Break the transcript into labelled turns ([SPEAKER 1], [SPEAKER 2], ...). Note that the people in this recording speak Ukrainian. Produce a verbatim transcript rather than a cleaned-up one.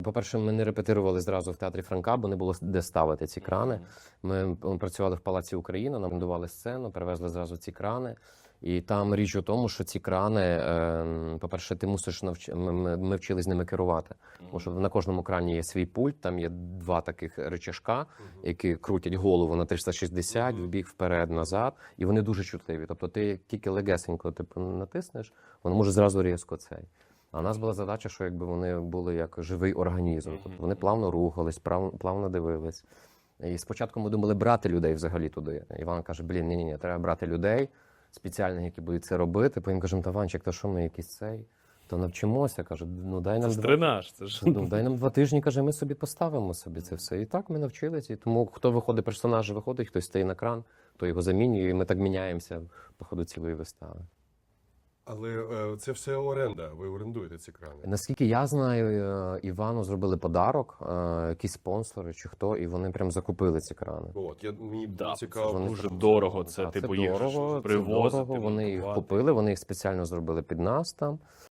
[SPEAKER 1] По-перше, ми не репетирували зразу в театрі Франка, бо не було де ставити ці крани. Ми ми працювали в Палаці Україна, нам орендували сцену, перевезли зразу ці крани. І там річ у тому, що ці крани, е, по-перше, ти мусиш навч... ми, ми, ми вчились ними керувати. Тому що на кожному крані є свій пульт, там є два таких рычажка, які крутять голову на триста шістдесят, вбік, вперед, назад, і вони дуже чутливі. Тобто ти тільки легесенько типу, натиснеш, воно може зразу різко цей. А у нас була задача, що якби вони були як живий організм. Тобто вони плавно рухались, плавно, плавно дивились. І спочатку ми думали брати людей взагалі туди. Іван каже, блін, ні-ні, треба брати людей спеціальних, які будуть це робити. Потім кажемо, та Ванчик, то що ми якийсь цей? То навчимося, каже, ну дай нам
[SPEAKER 2] Це ж
[SPEAKER 1] два...
[SPEAKER 2] тренаж, це ж.
[SPEAKER 1] Ну, дай нам два тижні, каже, ми собі поставимо собі це все. І так ми навчилися. І тому хто виходить, персонаж виходить, хтось стає на кран, то його замінює, і ми так міняємося по ходу цілої вистави.
[SPEAKER 3] Але е, це все оренда, ви орендуєте ці крани.
[SPEAKER 1] Наскільки я знаю, е, Івану зробили подарок, е, якісь спонсори чи хто, і вони прям закупили ці крани.
[SPEAKER 3] От, я, мені
[SPEAKER 2] Да,
[SPEAKER 3] цікаво.
[SPEAKER 2] це дуже
[SPEAKER 3] що-
[SPEAKER 2] дорого. Це
[SPEAKER 1] А
[SPEAKER 2] типу
[SPEAKER 1] це
[SPEAKER 2] їх
[SPEAKER 1] дорого,
[SPEAKER 2] ж
[SPEAKER 1] це
[SPEAKER 2] привозити,
[SPEAKER 1] дорого, вони їх
[SPEAKER 2] монтувати.
[SPEAKER 1] купили, вони їх спеціально зробили під нас там.